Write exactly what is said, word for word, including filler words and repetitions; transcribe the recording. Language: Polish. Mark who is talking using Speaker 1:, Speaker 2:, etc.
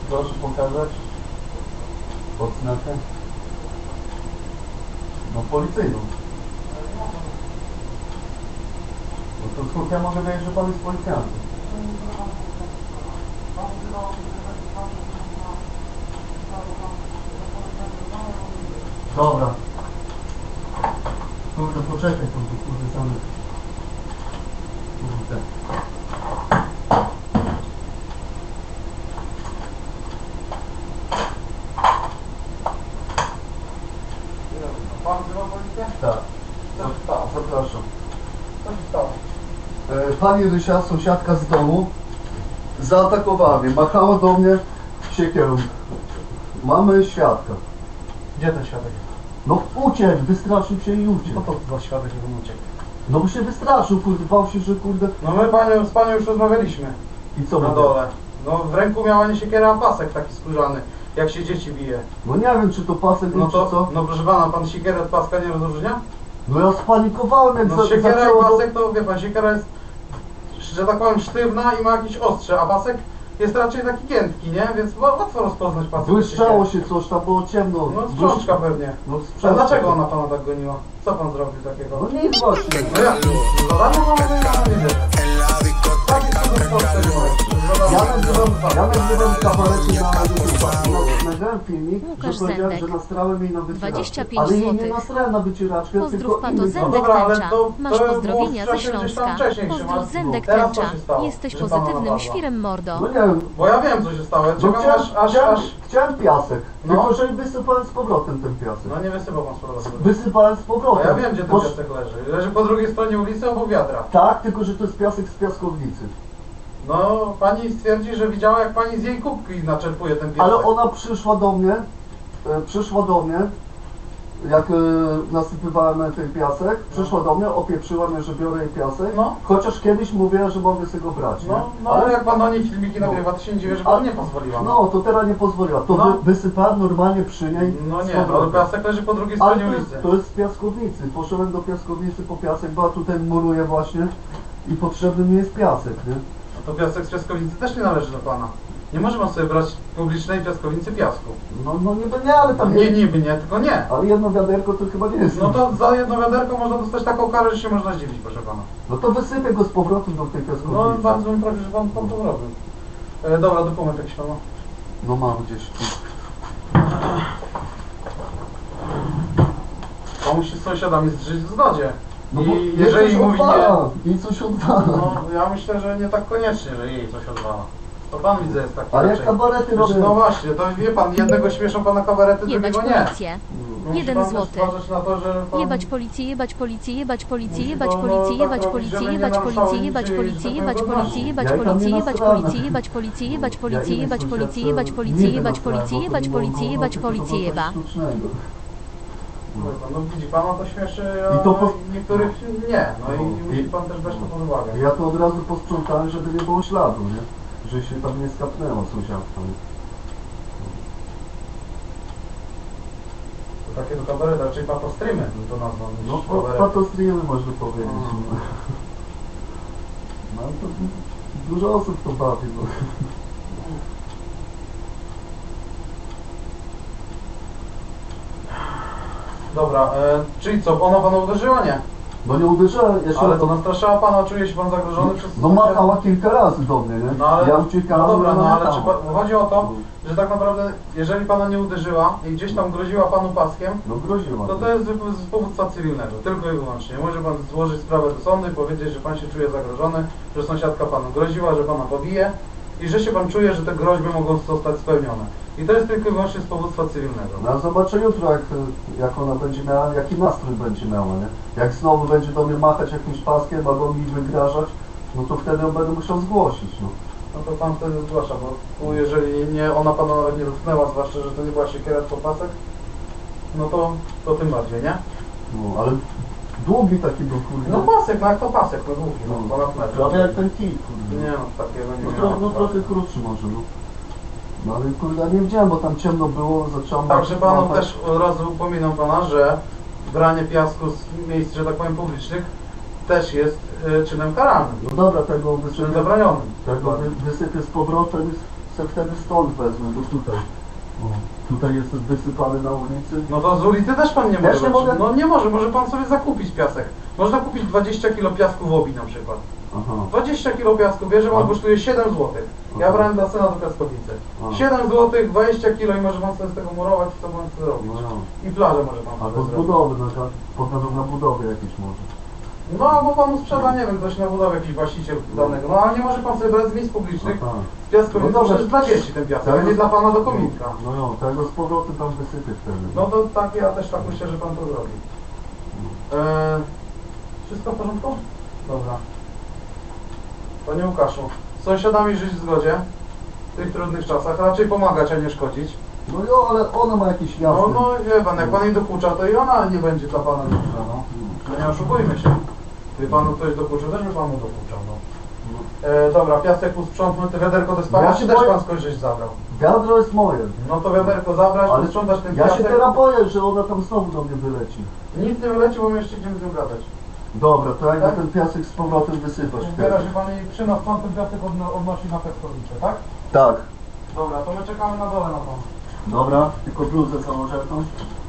Speaker 1: Proszę pokazać odznakę. No policyjną. No to skąd ja mogę wiedzieć, że pan jest policjantem? Dobra. Kurde, poczekaj tam, kurde, same. Kurde.
Speaker 2: Pan wzywa policję?
Speaker 1: Tak.
Speaker 2: Co się stało?
Speaker 1: Zapraszam.
Speaker 2: Co się stało?
Speaker 1: E, Pani Rysia, sąsiadka z domu, zaatakowała mnie, machała do mnie siekierą. Mamy świadka.
Speaker 2: Gdzie ten świadek?
Speaker 1: No uciekł, wystraszył się i
Speaker 2: Co
Speaker 1: uciekł.
Speaker 2: to za świadek, żeby on uciekł?
Speaker 1: No bo się wystraszył, kurde, bał się, że kurde...
Speaker 2: No my panią, z panią już rozmawialiśmy.
Speaker 1: I co
Speaker 2: Na
Speaker 1: mówię?
Speaker 2: dole. No w ręku miała nie siekiera, a pasek taki skórzany. Jak się dzieci bije.
Speaker 1: No nie wiem, czy to pasek,
Speaker 2: No
Speaker 1: czy
Speaker 2: to,
Speaker 1: co.
Speaker 2: no proszę pana, pan siekierę od paska nie rozróżnia?
Speaker 1: No ja spanikowałem, jak
Speaker 2: No
Speaker 1: za,
Speaker 2: siekiera i
Speaker 1: zaczęło...
Speaker 2: pasek to, wie pan, siekiera jest, że tak powiem, sztywna i ma jakieś ostrze, a pasek jest raczej taki giętki, nie? Więc łatwo rozpoznać pasek.
Speaker 1: Błyszczało się coś, tam było ciemno.
Speaker 2: No sprzączka pewnie.
Speaker 1: No
Speaker 2: A
Speaker 1: sprzączka.
Speaker 2: dlaczego ona pana tak goniła? Co pan zrobił takiego?
Speaker 1: No nic właśnie.
Speaker 2: No jak? Zadanie mamy nie widzę. Takie cudowne proste nie ma.
Speaker 1: Ja nagrywam, ja nagrywam kabarety na YouTube. Nagrałem filmik,
Speaker 3: Łukasz
Speaker 1: że powiedziałem,
Speaker 3: Zendek.
Speaker 1: że nastrałem jej na wycieraczkę.
Speaker 3: dwadzieścia pięć
Speaker 1: Ale jej nie
Speaker 3: złotych.
Speaker 1: nastrałem na wycieraczkę,
Speaker 3: Pozdrów
Speaker 1: tylko
Speaker 3: Pato
Speaker 1: inny
Speaker 3: Zendek
Speaker 2: No dobra, ale
Speaker 3: Tęcza.
Speaker 2: to-
Speaker 3: Masz
Speaker 2: to
Speaker 3: pozdrowienia
Speaker 2: było
Speaker 3: ze
Speaker 2: w czasie gdzieś tam
Speaker 3: Śląska.
Speaker 2: wcześniej się
Speaker 3: Pozdrów
Speaker 2: ma-
Speaker 3: Zendek
Speaker 2: Teraz co
Speaker 3: Tęcza.
Speaker 2: się stało?
Speaker 3: Jesteś
Speaker 2: Że pana
Speaker 3: pozytywnym
Speaker 2: napadła?
Speaker 3: świrem, mordo.
Speaker 1: No nie wiem,
Speaker 2: Bo ja wiem, co się stało. Ja
Speaker 1: no
Speaker 2: czekam
Speaker 1: chciałem,
Speaker 2: aż, aż,
Speaker 1: chciałem,
Speaker 2: aż...
Speaker 1: chciałem piasek,
Speaker 2: No.
Speaker 1: tylko że wysypałem z powrotem ten piasek.
Speaker 2: No nie wysypał pan z powrotem.
Speaker 1: Wysypałem z
Speaker 2: No
Speaker 1: powrotem.
Speaker 2: ja wiem, gdzie ten
Speaker 1: Bo-
Speaker 2: piasek leży. Leży po drugiej stronie ulicy obok wiadra.
Speaker 1: Tak, tylko że to jest piasek z piaskownicy.
Speaker 2: No, pani stwierdzi, że widziała, jak pani z jej kubki naczerpuje ten piasek.
Speaker 1: Ale ona przyszła do mnie, e, przyszła do mnie, jak e, nasypywałem ten piasek, przyszła do mnie, opieprzyła mnie, że biorę jej piasek,
Speaker 2: No.
Speaker 1: chociaż kiedyś mówiła, że mogę sobie go brać, nie?
Speaker 2: No, no ale jak pan do niej filmiki nagrywa, to się nie dziwię, że pan nie pozwoliła.
Speaker 1: No, to teraz nie pozwoliła. To
Speaker 2: No.
Speaker 1: wy, wysypałem normalnie przy niej.
Speaker 2: No
Speaker 1: z
Speaker 2: nie, no, ale
Speaker 1: powrotem.
Speaker 2: piasek leży po drugiej
Speaker 1: Ale
Speaker 2: stronie
Speaker 1: to jest,
Speaker 2: ulicy.
Speaker 1: to jest z piaskownicy. Poszedłem do piaskownicy po piasek, bo ja tutaj muruję właśnie i potrzebny mi jest piasek, nie?
Speaker 2: No to piasek z piaskownicy też nie należy do pana. Nie może pan sobie brać publicznej piaskownicy piasku.
Speaker 1: No, no niby nie, ale tam
Speaker 2: Nie,
Speaker 1: jest.
Speaker 2: niby nie, tylko nie.
Speaker 1: Ale jedno wiaderko to chyba nie jest.
Speaker 2: No to za jedno wiaderko można dostać taką karę, że się można zdziwić, proszę pana.
Speaker 1: No to wysypię go z powrotem do tej
Speaker 2: No
Speaker 1: piaskownicy.
Speaker 2: bardzo mi proszę, że pan, pan to zrobił. E, dobra, dokument jakiś pan ma.
Speaker 1: No mam gdzieś tu.
Speaker 2: Pan musi z sąsiadami żyć w zgodzie.
Speaker 1: No bo
Speaker 2: I
Speaker 1: jej
Speaker 2: jeżeli
Speaker 1: coś
Speaker 2: mówi nie,
Speaker 1: odwala, jej coś odwala.
Speaker 2: no ja myślę, że nie tak koniecznie, że jej coś odwala. To pan widzę jest taki
Speaker 1: Ale jak
Speaker 2: raczej.
Speaker 1: kabarety
Speaker 2: Znaczy,
Speaker 1: robię...
Speaker 2: no właśnie, to wie pan, jednego śmieszą pana kabarety,
Speaker 3: Jebać
Speaker 2: drugiego nie.
Speaker 3: policję.
Speaker 2: No musi
Speaker 3: Jeden
Speaker 2: pan też
Speaker 3: złoty.
Speaker 2: uważać na to, że pan...
Speaker 3: Jebać policję, jebać policję, jebać policję,
Speaker 2: Musi
Speaker 3: jebać
Speaker 2: pan, no,
Speaker 3: policję,
Speaker 2: tak
Speaker 3: jebać
Speaker 2: robić,
Speaker 3: policję,
Speaker 2: żeby nie
Speaker 3: jebać
Speaker 2: naruszało
Speaker 3: policję, jebać
Speaker 2: niczyjej,
Speaker 3: policję,
Speaker 2: że
Speaker 3: jebać
Speaker 2: tak powiem,
Speaker 3: policję,
Speaker 2: godności.
Speaker 3: jebać
Speaker 1: Ja i tam
Speaker 3: policję,
Speaker 1: nie
Speaker 3: jebać
Speaker 1: nastrałem.
Speaker 3: policję, jebać policję, jebać
Speaker 1: Ja
Speaker 3: policję,
Speaker 1: innej
Speaker 3: jebać policję,
Speaker 1: sąsiadce
Speaker 3: jebać policję,
Speaker 1: nie
Speaker 3: jebać
Speaker 1: nastrałem,
Speaker 3: policję,
Speaker 1: bo to
Speaker 3: jebać
Speaker 1: było
Speaker 3: policję,
Speaker 1: koło
Speaker 3: jebać
Speaker 1: tego, to
Speaker 3: policję,
Speaker 1: było coś
Speaker 3: jeba.
Speaker 1: sztucznego.
Speaker 2: No widzi pana to śmieszy, a
Speaker 1: I to po-
Speaker 2: niektórych nie. No i
Speaker 1: No.
Speaker 2: musi pan też brać to pod uwagę.
Speaker 1: Ja to od razu posprzątałem, żeby nie było śladu, nie? Że się tam nie skapnęła sąsiadka. nie?
Speaker 2: To takie do kabaret, raczej patostrymy to nazwą niż
Speaker 1: No
Speaker 2: kabaret.
Speaker 1: patostryjemy można powiedzieć.
Speaker 2: Mm.
Speaker 1: No. No ale to dużo osób to bawi, no.
Speaker 2: Dobra, e, czyli co, ona pana uderzyła? Nie.
Speaker 1: No nie uderzyłem jeszcze.
Speaker 2: Ale to nastraszała pana, czuje się pan zagrożony przez...
Speaker 1: No machała kilka razy do mnie, nie?
Speaker 2: No ale,
Speaker 1: Ja uciekałem,
Speaker 2: no dobra,
Speaker 1: ona
Speaker 2: no ale
Speaker 1: machała.
Speaker 2: czy pan, chodzi o to, że tak naprawdę, jeżeli pana nie uderzyła i gdzieś tam groziła panu paskiem,
Speaker 1: No groziła.
Speaker 2: to to jest z z powództwa cywilnego, tylko i wyłącznie. Może pan złożyć sprawę do sądu i powiedzieć, że pan się czuje zagrożony, że sąsiadka panu groziła, że pana pobije i że się pan czuje, że te groźby mogą zostać spełnione. I to jest tylko i wyłącznie z powództwa cywilnego.
Speaker 1: No ja zobaczę jutro, jak, jak ona będzie miała, jaki nastrój będzie miała, nie? Jak znowu będzie do mnie machać jakimś paskiem albo mi wygrażać, no to wtedy ją będę musiał zgłosić, no.
Speaker 2: No to pan wtedy zgłasza, bo tu jeżeli nie, ona pana nawet nie dotknęła, zwłaszcza, że to nie była siekiera, tylko pasek, no to, to tym bardziej, nie?
Speaker 1: No, ale długi taki był, kurde.
Speaker 2: No pasek, no jak to pasek, no długi, no ponad metr.
Speaker 1: Prawie jak ten kij, kurde.
Speaker 2: Nie no, takiego nie
Speaker 1: No,
Speaker 2: miałem.
Speaker 1: tro, no trochę krótszy może, no. No ale kurde, ja nie widziałem, bo tam ciemno było, zacząłem...
Speaker 2: Także panu
Speaker 1: machać.
Speaker 2: też od razu upominam pana, że branie piasku z miejsc, że tak powiem, publicznych też jest y, czynem karalnym,
Speaker 1: No dobra, tego
Speaker 2: czynem
Speaker 1: wysypię,
Speaker 2: zabronionym.
Speaker 1: tego wy, wysypię z powrotem i se wtedy stąd wezmę, bo tutaj. O, tutaj jest wysypany na ulicy.
Speaker 2: No to z ulicy też pan nie
Speaker 1: Też
Speaker 2: może.
Speaker 1: nie mogę?
Speaker 2: No nie może, może pan sobie zakupić piasek. Można kupić dwadzieścia kilo piasku w Obi na przykład.
Speaker 1: Aha.
Speaker 2: dwadzieścia kilo piasku bierze pan,
Speaker 1: A.
Speaker 2: kosztuje siedem złotych. Ja
Speaker 1: Aha.
Speaker 2: brałem dla syna do Piaskowicy.
Speaker 1: A.
Speaker 2: siedem złotych, dwadzieścia kilo i może pan sobie z tego murować, co pan chce robić.
Speaker 1: No, no.
Speaker 2: I plażę może pan
Speaker 1: Albo
Speaker 2: sobie
Speaker 1: z
Speaker 2: zrobić.
Speaker 1: budowy, no to pokażą na budowie jakieś może.
Speaker 2: No albo panu sprzeda, nie wiem, ktoś na budowie, jakiś właściciel danego. No ale nie może pan sobie brać z miejsc publicznych.
Speaker 1: Aha.
Speaker 2: Z piasku,
Speaker 1: No
Speaker 2: no
Speaker 1: dobrze.
Speaker 2: przecież dla dzieci ten piasek, a
Speaker 1: Tego-
Speaker 2: nie dla pana do kominka.
Speaker 1: No jo, tego z powrotem tam wysypię wtedy.
Speaker 2: No to tak, ja też tak myślę, że pan to zrobi. Eee, wszystko w porządku? Dobra. Panie Łukaszu, z sąsiadami żyć w zgodzie w tych trudnych czasach, raczej pomagać, a nie szkodzić.
Speaker 1: No jo, ale ona ma jakieś jasne.
Speaker 2: No, no wie pan, jak pan jej dokucza, to i ona nie będzie dla pana dobrze, no. No nie oszukujmy się. Gdyby panu ktoś dokuczył, też by panu dokuczał, no. E, dobra, piasek usprzątnąć, te wiaderko do spania,
Speaker 1: Ja
Speaker 2: czy
Speaker 1: się
Speaker 2: też
Speaker 1: boję-
Speaker 2: pan skądś żeś zabrał?
Speaker 1: Wiadro jest moje.
Speaker 2: No to wiaderko zabrać,
Speaker 1: Ale
Speaker 2: posprzątać ten
Speaker 1: ja
Speaker 2: piasek.
Speaker 1: się teraz boję, że ona tam znowu do mnie wyleci.
Speaker 2: Nic nie wyleci, bo my jeszcze idziemy z nią gadać.
Speaker 1: Dobra, to jak
Speaker 2: Tak?
Speaker 1: ten piasek z powrotem wysypać
Speaker 2: Zbiera
Speaker 1: wtedy.
Speaker 2: się pan i przy nas pan ten piasek odno- odnosi na Piaskowicze, tak?
Speaker 1: Tak.
Speaker 2: Dobra, to my czekamy na dole na pan.
Speaker 1: Dobra, tylko bluzę założę tą.